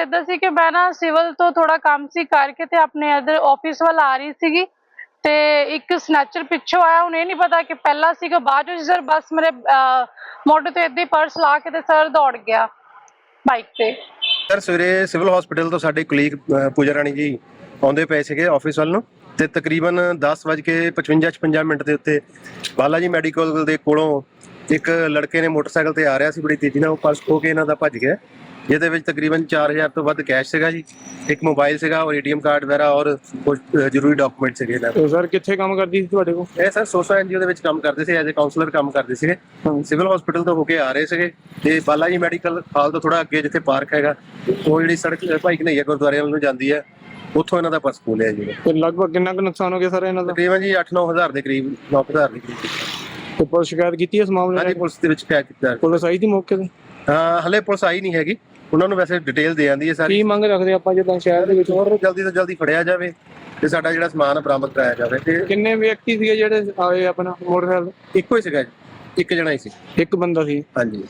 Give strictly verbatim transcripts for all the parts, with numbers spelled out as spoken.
ਇਦਾਂ ਸੀ ਕਿ ਮੈਂ ਨਾ ਸਿਵਲ ਤੋਂ ਥੋੜਾ ਕੰਮ ਸੀ ਕਰਕੇ ਤੇ ਆਪਣੇ ਇਧਰ ਆਫਿਸ ਵੱਲ ਆ ਰਹੀ ਸੀਗੀ ਤੇ ਇੱਕ ਸਨੈਚਰ ਪਿੱਛੋਂ ਆਇਆ। ਹੁਣ ਇਹ ਨਹੀਂ ਪਤਾ ਕਿ ਪਹਿਲਾਂ ਸੀਗਾ ਬਾਅਦ ਵਿੱਚ ਸਰ ਬਸ ਮੇਰੇ ਮੋਢੇ ਤੇ ਏਦਾਂ ਹੀ ਪਰਸ ਲਾ ਕੇ ਤੇ ਸਰ ਦੌੜ ਗਿਆ ਬਾਈਕ ਤੇ। ਸਰ ਸਵੇਰੇ ਸਿਵਲ ਹਸਪੀਟਲ ਤੋਂ ਸਾਡੇ ਕੁਲੀਗ ਪੂਜਾ ਰਾਣੀ ਜੀ ਆਉਂਦੇ ਪਏ ਸੀਗੇ ਆਫਿਸ ਵੱਲ ਨੂੰ ਤੇ ਤਕਰੀਬਨ ਦਸ ਵੱਜ ਕੇ ਪਚਵੰਜਾ ਛਪੰਜਾ ਮਿੰਟ ਦੇ ਉੱਤੇ ਬਾਲਾ ਜੀ ਮੈਡੀਕਲ ਦੇ ਕੋਲੋਂ ਇੱਕ ਲੜਕੇ ਨੇ ਮੋਟਰਸਾਈਕਲ ਤੇ ਆ ਰਿਹਾ ਸੀ, ਬੜੀ ਤੇਜ਼ੀ ਨਾਲ ਉਹ ਪਰਸ ਖੋ ਕੇ ਇਹਨਾਂ ਦਾ ਭੱਜ ਗਿਆ, ਜਿਹਦੇ ਵਿੱਚ ਤਕਰੀਬਨ ਚਾਰ ਹਜ਼ਾਰ ਤੋਂ ਵੱਧ ਕੈਸ਼ ਸੀਗਾ ਜੀ, ਇੱਕ ਮੋਬਾਈਲ ਸੀਗਾ ਔਰ ਏਟੀਐਮ ਕਾਰਡ ਵਗੈਰਾ ਔਰ ਕੁਝ ਜ਼ਰੂਰੀ ਡਾਕੂਮੈਂਟ ਸੀਗੇ ਇਹਨਾਂ ਦੇ। ਸਰ ਕਿੱਥੇ ਕੰਮ ਕਰਦੀ ਸੀ ਤੁਹਾਡੇ ਕੋਲ? ਇਹ ਸਰ ਸੋਸਾ ਐਨਜੀਓ ਦੇ ਵਿੱਚ ਕੰਮ ਕਰਦੇ ਸੀ, ਐਜ਼ ਅ ਕਾਉਂਸਲਰ ਕੰਮ ਕਰਦੇ ਸੀਗੇ। ਸਿਵਲ ਹਸਪੀਟਲ ਤੋਂ ਹੋ ਕੇ ਆ ਰਹੇ ਸੀਗੇ ਤੇ ਬਾਲਾ ਜੀ ਮੈਡੀਕਲ ਹਾਲ ਤੋਂ ਥੋੜਾ ਅੱਗੇ ਜਿੱਥੇ ਪਾਰਕ ਹੈਗਾ, ਉਹ ਜਿਹੜੀ ਸੜਕ ਭਾਈ ਕਨਈਆ ਗੁਰਦੁਆਰੇ ਵੱਲ ਨੂੰ ਜਾਂਦੀ ਹੈ, ਉੱਥੋਂ ਇਹਨਾਂ ਦਾ ਪਰਸ ਖੋਲਿਆ ਜੀ। ਤੇ ਲਗਭਗ ਕਿੰਨਾ ਕੁ ਨੁਕਸਾਨ ਹੋ ਗਿਆ ਸਰ ਇਹਨਾਂ ਦਾ? ਤਕਰੀਬਨ ਜੀ ਅੱਠ ਨੌ ਹਜ਼ਾਰ ਦੇ ਕਰੀਬ, ਨੌ ਹਜ਼ਾਰ ਦੇ ਕਰੀਬ। ਤੇ ਪੁਲਿਸ ਸ਼ਿਕਾਇਤ ਕੀਤੀ ਇਸ ਮਾਮਲੇ ਹਾਂਜੀ, ਨਾਲ? ਪੁਲਿਸ ਦੇ ਵਿੱਚ ਸ਼ਿਕਾਇਤ ਕੀਤਾ। ਪੁਲਿਸ ਆਈ ਸੀ ਮੌਕੇ ਤੇ? ਹਾਂ, ਹਲੇ ਪੁਲਿਸ ਆਈ ਨਹੀਂ ਹੈਗੀ, ਉਹਨਾਂ ਨੂੰ ਵੈਸੇ ਡਿਟੇਲ ਦੇ ਆਂਦੀ ਹੈ ਸਾਰੀ। ਕੀ ਮੰਗ ਰੱਖਦੇ ਆਪਾਂ ਜਿੱਦਾਂ ਸ਼ਹਿਰ ਦੇ ਵਿੱਚ ਹੋਰ ਜਲਦੀ ਤੋਂ ਜਲਦੀ ਫੜਿਆ ਜਾਵੇ ਤੇ ਸਾਡਾ ਜਿਹੜਾ ਸਮਾਨ ਬਰਾਮਦ ਕਰਾਇਆ ਜਾਵੇ। ਤੇ ਕਿੰਨੇ ਵਿਅਕਤੀ ਸੀਗੇ ਜਿਹੜੇ ਆਏ ਆਪਣਾ ਮੋਟਰਸਾਈਕਲ? ਇੱਕੋ ਹੀ ਸੀਗਾ ਜੀ, ਇੱਕ ਜਣਾ ਹੀ ਸੀ। ਇੱਕ ਬੰਦਾ ਸੀ। ਹਾਂਜੀ।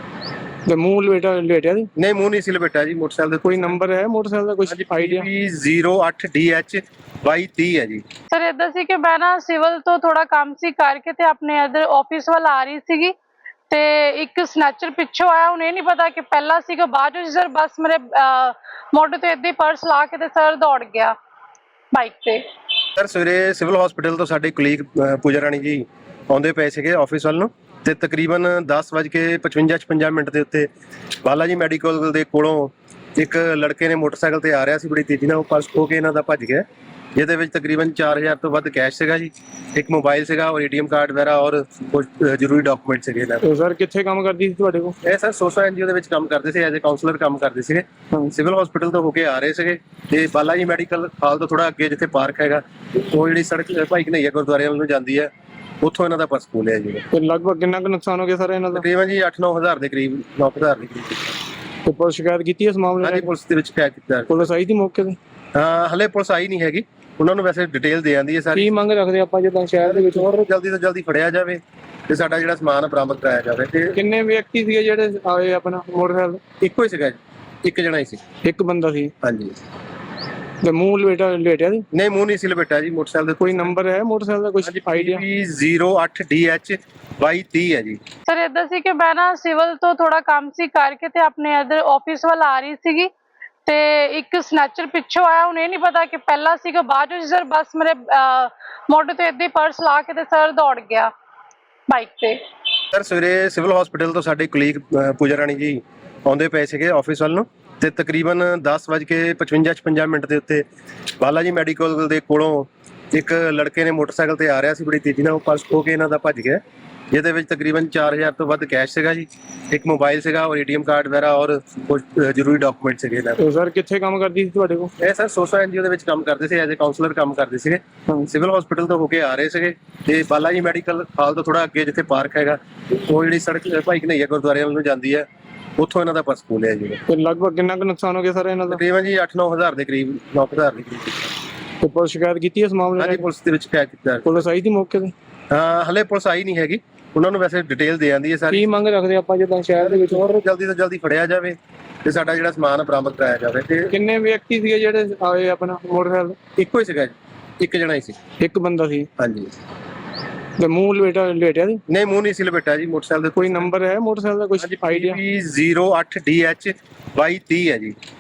ਤੇ ਮੂੰਹ ਲੇਟਾ ਲੇਟਿਆ ਸੀ? ਨਹੀਂ, ਮੂੰਹ ਨਹੀਂ ਸੀ ਲਪੇਟਿਆ ਜੀ। ਮੋਟਰਸਾਈਕਲ ਦੇ ਕੋਈ ਨੰਬਰ ਹੈ ਮੋਟਰਸਾਈਕਲ ਦਾ, ਕੁਝ ਆਈਡੀਆ? ਜ਼ੀਰੋ ਅੱਠ ਡੀ ਐਚ ਬਾਈ ਤੀਹ ਹੈ ਜੀ। ਸਰ ਇਦਾਂ ਸੀ ਕਿ ਮੈਂ ਨਾ ਸਿਵਲ ਤੋਂ ਥੋੜਾ ਕੰਮ ਸੀ ਕਰਕੇ ਤੇ ਆਪਣੇ ਇਧਰ ਆਫਿਸ ਵੱਲ ਆ ਰਹੀ ਸੀਗੀ ਤੇ ਇੱਕ ਸਨੈਚਰ ਪਿੱਛੋਂ ਆਇਆ। ਹੁਣ ਇਹ ਨਹੀਂ ਪਤਾ ਕਿ ਪਹਿਲਾਂ ਸੀਗਾ ਬਾਅਦ ਵਿੱਚ ਸਰ ਬਸ ਮੇਰੇ ਮੋਢੇ ਤੇ ਏਦਾਂ ਹੀ ਪਰਸ ਲਾ ਕੇ ਤੇ ਸਰ ਦੌੜ ਗਿਆ ਬਾਈਕ ਤੇ। ਸਰ ਸਵੇਰੇ ਸਿਵਲ ਹਸਪੀਟਲ ਤੋਂ ਸਾਡੇ ਕੁਲੀਗ ਪੂਜਾ ਰਾਣੀ ਜੀ ਆਉਂਦੇ ਪਏ ਸੀਗੇ ਆਫਿਸ ਵੱਲ ਨੂੰ ਤੇ ਤਕਰੀਬਨ ਦਸ ਵੱਜ ਕੇ ਪਚਵੰਜਾ ਛਪੰਜਾ ਮਿੰਟ ਦੇ ਉੱਤੇ ਬਾਲਾ ਜੀ ਮੈਡੀਕਲ ਦੇ ਕੋਲੋਂ ਇੱਕ ਲੜਕੇ ਨੇ ਮੋਟਰਸਾਈਕਲ ਤੇ ਆ ਰਿਹਾ ਸੀ, ਬੜੀ ਤੇਜ਼ੀ ਨਾਲ ਉਹ ਪਰਸ ਖੋ ਕੇ ਇਹਨਾਂ ਦਾ ਭੱਜ ਗਿਆ, ਜਿਹਦੇ ਵਿੱਚ ਤਕਰੀਬਨ ਚਾਰ ਹਜ਼ਾਰ ਤੋਂ ਵੱਧ ਕੈਸ਼ ਸੀਗਾ ਜੀ, ਇੱਕ ਮੋਬਾਈਲ ਸੀਗਾ ਔਰ ਏਟੀਐਮ ਕਾਰਡ ਵਗੈਰਾ ਔਰ ਕੁਝ ਜ਼ਰੂਰੀ ਡਾਕੂਮੈਂਟ ਸੀਗੇ ਇਹਨਾਂ ਦੇ। ਸਰ ਕਿੱਥੇ ਕੰਮ ਕਰਦੀ ਸੀ ਤੁਹਾਡੇ ਕੋਲ? ਇਹ ਸਰ ਸੋਸਾ ਐਨਜੀਓ ਦੇ ਵਿੱਚ ਕੰਮ ਕਰਦੇ ਸੀ, ਐਜ਼ ਅ ਕਾਉਂਸਲਰ ਕੰਮ ਕਰਦੇ ਸੀਗੇ। ਸਿਵਲ ਹਸਪੀਟਲ ਤੋਂ ਹੋ ਕੇ ਆ ਰਹੇ ਸੀਗੇ ਤੇ ਬਾਲਾ ਜੀ ਮੈਡੀਕਲ ਹਾਲ ਤੋਂ ਥੋੜਾ ਅੱਗੇ ਜਿੱਥੇ ਪਾਰਕ ਹੈਗਾ, ਉਹ ਜਿਹੜੀ ਸੜਕ ਭਾਈ ਕਨਈਆ ਗੁਰਦੁਆਰੇ ਵੱਲ ਨੂੰ ਜਾਂਦੀ ਹੈ, ਉੱਥੋਂ ਇਹਨਾਂ ਦਾ ਪਰਸ ਖੋਲਿਆ ਜੀ। ਤੇ ਲਗਭਗ ਕਿੰਨਾ ਕੁ ਨੁਕਸਾਨ ਹੋ ਗਿਆ ਸਰ ਇਹਨਾਂ ਦਾ? ਤਕਰੀਬਨ ਜੀ ਅੱਠ ਨੌ ਹਜ਼ਾਰ ਦੇ ਕਰੀਬ, ਨੌ ਹਜ਼ਾਰ ਦੇ ਕਰੀਬ। ਤੇ ਪੁਲਿਸ ਸ਼ਿਕਾਇਤ ਕੀਤੀ ਇਸ ਮਾਮਲੇ ਹਾਂਜੀ, ਨਾਲ? ਪੁਲਿਸ ਦੇ ਵਿੱਚ ਸ਼ਿਕਾਇਤ ਕੀਤਾ। ਪੁਲਿਸ ਆਈ ਸੀ ਮੌਕੇ ਤੇ? ਹਾਂ, ਹਲੇ ਪੁਲਿਸ ਆਈ ਨਹੀਂ ਹੈਗੀ, ਉਹਨਾਂ ਨੂੰ ਵੈਸੇ ਡਿਟੇਲ ਦੇ ਆਂਦੀ ਹੈ ਸਾਰੀ। ਕੀ ਮੰਗ ਰੱਖਦੇ ਆਪਾਂ ਜਿੱਦਾਂ ਸ਼ਹਿਰ ਦੇ ਵਿੱਚ ਹੋਰ ਜਲਦੀ ਤੋਂ ਜਲਦੀ ਫੜਿਆ ਜਾਵੇ ਤੇ ਸਾਡਾ ਜਿਹੜਾ ਸਮਾਨ ਬਰਾਮਦ ਕਰਾਇਆ ਜਾਵੇ। ਤੇ ਕਿੰਨੇ ਵਿਅਕਤੀ ਸੀਗੇ ਜਿਹੜੇ ਆਏ ਆਪਣਾ ਮੋਟਰਸਾਈਕਲ? ਇੱਕੋ ਹੀ ਸੀਗਾ ਜੀ, ਇੱਕ ਜਣਾ ਹੀ ਸੀ। ਇੱਕ ਬੰਦਾ ਸੀ। ਹਾਂਜੀ। ਤੇ ਮੂੰਹ ਲੇਟਾ ਲੇਟਿਆ ਸੀ? ਨਹੀਂ, ਮੂੰਹ ਨਹੀਂ ਸੀ ਲਪੇਟਿਆ ਜੀ। ਮੋਟਰਸਾਈਕਲ ਦੇ ਕੋਈ ਨੰਬਰ ਹੈ ਮੋਟਰਸਾਈਕਲ ਦਾ, ਕੁਝ ਆਈਡੀਆ? ਜ਼ੀਰੋ ਅੱਠ ਡੀ ਐਚ ਬਾਈ ਤੀਹ ਹੈ ਜੀ। ਸਰ ਇਦਾਂ ਸੀ ਕਿ ਮੈਂ ਨਾ ਸਿਵਲ ਤੋਂ ਥੋੜਾ ਕੰਮ ਸੀ ਕਰਕੇ ਤੇ ਆਪਣੇ ਇਧਰ ਆਫਿਸ ਵੱਲ ਆ ਰਹੀ ਸੀਗੀ ਤੇ ਇੱਕ ਸਨੈਚਰ ਪਿੱਛੋਂ ਆਇਆ। ਹੁਣ ਇਹ ਨਹੀਂ ਪਤਾ ਕਿ ਪਹਿਲਾਂ ਸੀਗਾ ਬਾਅਦ ਵਿੱਚ ਸਰ ਬਸ ਮੇਰੇ ਮੋਢੇ ਤੇ ਏਦਾਂ ਹੀ ਪਰਸ ਲਾ ਕੇ ਤੇ ਸਰ ਦੌੜ ਗਿਆ ਬਾਈਕ ਤੇ। ਸਰ ਸਵੇਰੇ ਸਿਵਲ ਹਸਪੀਟਲ ਤੋਂ ਸਾਡੇ ਕੁਲੀਗ ਪੂਜਾ ਰਾਣੀ ਜੀ ਆਉਂਦੇ ਪਏ ਸੀਗੇ ਆਫਿਸ ਵੱਲ ਨੂੰ ਤੇ ਤਕਰੀਬਨ ਦਸ ਵੱਜ ਕੇ ਪਚਵੰਜਾ ਛਪੰਜਾ ਮਿੰਟ ਦੇ ਉੱਤੇ ਬਾਲਾ ਜੀ ਮੈਡੀਕਲ ਦੇ ਕੋਲੋਂ ਇੱਕ ਲੜਕੇ ਨੇ ਮੋਟਰਸਾਈਕਲ ਤੇ ਆ ਰਿਹਾ ਸੀ, ਬੜੀ ਤੇਜ਼ੀ ਨਾਲ ਉਹ ਪਰਸ ਖੋ ਕੇ ਇਹਨਾਂ ਦਾ ਭੱਜ ਗਿਆ, ਜਿਹਦੇ ਵਿੱਚ ਤਕਰੀਬਨ ਚਾਰ ਹਜ਼ਾਰ ਤੋਂ ਵੱਧ ਕੈਸ਼ ਸੀਗਾ ਜੀ, ਇੱਕ ਮੋਬਾਈਲ ਸੀਗਾ ਔਰ ਏਟੀਐਮ ਕਾਰਡ ਵਗੈਰਾ ਔਰ ਕੁਝ ਜ਼ਰੂਰੀ ਡਾਕੂਮੈਂਟ ਸੀਗੇ ਇਹਨਾਂ ਦੇ। ਸਰ ਕਿੱਥੇ ਕੰਮ ਕਰਦੀ ਸੀ ਤੁਹਾਡੇ ਕੋਲ? ਇਹ ਸਰ ਸੋਸਾ ਐਨਜੀਓ ਦੇ ਵਿੱਚ ਕੰਮ ਕਰਦੇ ਸੀ, ਐਜ਼ ਅ ਕਾਉਂਸਲਰ ਕੰਮ ਕਰਦੇ ਸੀਗੇ। ਸਿਵਲ ਹਸਪੀਟਲ ਤੋਂ ਹੋ ਕੇ ਆ ਰਹੇ ਸੀਗੇ ਤੇ ਬਾਲਾ ਜੀ ਮੈਡੀਕਲ ਹਾਲ ਤੋਂ ਥੋੜਾ ਅੱਗੇ ਜਿੱਥੇ ਪਾਰਕ ਹੈਗਾ, ਉਹ ਜਿਹੜੀ ਸੜਕ ਭਾਈ ਕਨਈਆ ਗੁਰਦੁਆਰੇ ਵੱਲ ਨੂੰ ਜਾਂਦੀ ਹੈ, ਉੱਥੋਂ ਇਹਨਾਂ ਦਾ ਪਰਸ ਖੋਲਿਆ ਜੀ। ਤੇ ਲਗਭਗ ਕਿੰਨਾ ਕੁ ਨੁਕਸਾਨ ਹੋ ਗਿਆ ਸਰ ਇਹਨਾਂ ਦਾ? ਤਕਰੀਬਨ ਜੀ ਅੱਠ ਨੌ ਹਜ਼ਾਰ ਦੇ ਕਰੀਬ, ਨੌ ਹਜ਼ਾਰ ਦੇ ਕਰੀਬ। ਤੇ ਪੁਲਿਸ ਸ਼ਿਕਾਇਤ ਕੀਤੀ ਇਸ ਮਾਮਲੇ ਹਾਂਜੀ, ਨਾਲ? ਪੁਲਿਸ ਦੇ ਵਿੱਚ ਸ਼ਿਕਾਇਤ ਕੀਤਾ। ਪੁਲਿਸ ਆਈ ਸੀ ਮੌਕੇ ਤੇ? ਹਾਂ, ਹਲੇ ਪੁਲਿਸ ਆਈ ਨਹੀਂ ਹੈਗੀ, ਉਹਨਾਂ ਨੂੰ ਵੈਸੇ ਡਿਟੇਲ ਦੇ ਆਂਦੀ ਹੈ ਸਾਰੀ। ਕੀ ਮੰਗ ਰੱਖਦੇ ਆਪਾਂ ਜਿੱਦਾਂ ਸ਼ਹਿਰ ਦੇ ਵਿੱਚ ਹੋਰ ਜਲਦੀ ਤੋਂ ਜਲਦੀ ਫੜਿਆ ਜਾਵੇ ਤੇ ਸਾਡਾ ਜਿਹੜਾ ਸਮਾਨ ਬਰਾਮਦ ਕਰਾਇਆ ਜਾਵੇ। ਤੇ ਕਿੰਨੇ ਵਿਅਕਤੀ ਸੀਗੇ ਜਿਹੜੇ ਆਏ ਆਪਣਾ ਮੋਟਰਸਾਈਕਲ? ਇੱਕੋ ਹੀ ਸੀਗਾ ਜੀ, ਇੱਕ ਜਣਾ ਹੀ ਸੀ। ਇੱਕ ਬੰਦਾ ਸੀ। ਹਾਂਜੀ। ਤੇ ਮੂੰਹ ਲੇਟਾ ਲੇਟਿਆ ਸੀ? ਨਹੀਂ, ਮੂੰਹ ਨਹੀਂ ਸੀ ਲਪੇਟਿਆ ਜੀ। ਮੋਟਰਸਾਈਕਲ ਦੇ ਕੋਈ ਨੰਬਰ ਹੈ ਮੋਟਰਸਾਈਕਲ ਦਾ, ਕੁਝ ਆਈਡੀਆ? ਜ਼ੀਰੋ ਅੱਠ ਡੀ ਐਚ ਬਾਈ ਤੀਹ ਹੈ ਜੀ।